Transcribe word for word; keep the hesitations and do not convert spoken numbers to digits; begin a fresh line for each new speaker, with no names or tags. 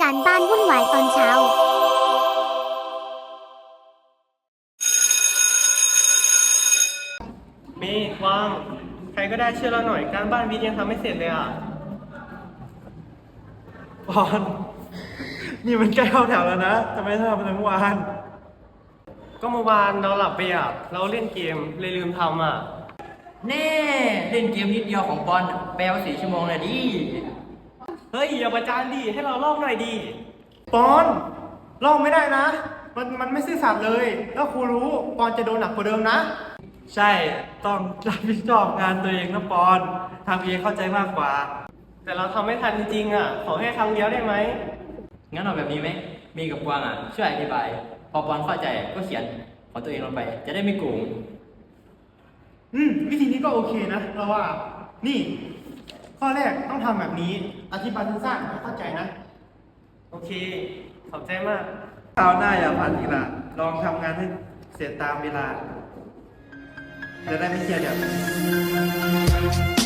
การบ้านวุ่นวายตอนเช้า
เมย์กวางใครก็ได้ช่วยเราหน่อยการบ้านวิทย์ยังทำไม่เสร็จเลยอ่ะ
ปอน นี่มันใกล้เข้าแถวแล้วนะทำไมต้องทำมันทั้งวัน
ก็เมื่อวานเราหลับไปอ่ะเราเล่นเกมเลยลืมทำอ่ะ
แน่เล่นเกมนิดเดียวของปอนแปลว่าสี่ชั่วโมงเลยดิ
เฮ้ยอย่าประจานดิให้เราลอกหน่อยดิ
ปอนลอกไม่ได้นะ มันมันไม่ซื่อสัตย์เลยถ้าครูรู้ปอนจะโดนหนักกว่าเดิมนะ ใช่ ต้องรับผิดชอบงานตัวเองนะปอนทำเองเข้าใจมากกว่า
แต่เราทำไม่ทันจริงๆอ่ะขอแค่ครั้งเดียวได้ไหม
งั้นเอาแบบนี้ไหมมีกับกวางอ่ะช่วยอธิบาย พอปอนเข้าใจก็เขียนของตัวเองลงไป จะได้ไม่โกง
อืมวิธีนี้ก็โอเคนะเราว่า นี่ ข้อแรกต้องทำแบบนี้ อธิบายสั้นๆให้เข้าใจนะ
โอเคขอบใจมาก
คราวหน้าอย่าพันอีกละลองทำงานให้เสร็จตามเวลา จะได้ไม่เครียดแบบ